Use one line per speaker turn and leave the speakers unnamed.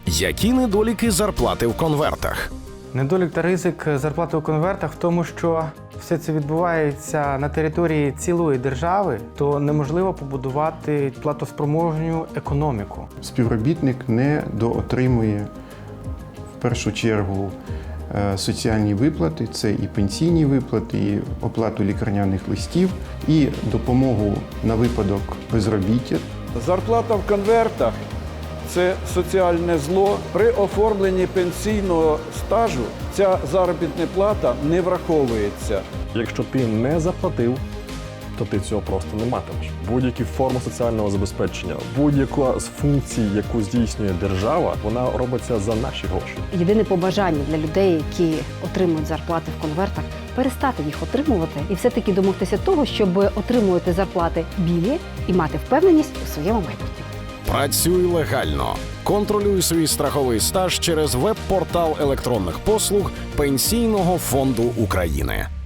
Які недоліки зарплати в конвертах?
Недолік та ризик зарплати у конвертах в тому, що все це відбувається на території цілої держави, то неможливо побудувати платоспроможну економіку.
Співробітник не доотримує в першу чергу соціальні виплати, це і пенсійні виплати, і оплату лікарняних листів, і допомогу на випадок безробіття.
Зарплата в конвертах – це соціальне зло. При оформленні пенсійного стажу ця заробітна плата не враховується.
Якщо ти не заплатив, то ти цього просто не матимеш. Будь-які форми соціального забезпечення, будь-яка з функцій, яку здійснює держава, вона робиться за наші гроші.
Єдине побажання для людей, які отримують зарплати в конвертах, перестати їх отримувати і все-таки домогтися того, щоб отримувати зарплати білі і мати впевненість у своєму майбутньому.
Працюй легально. Контролюй свій страховий стаж через веб-портал електронних послуг Пенсійного фонду України.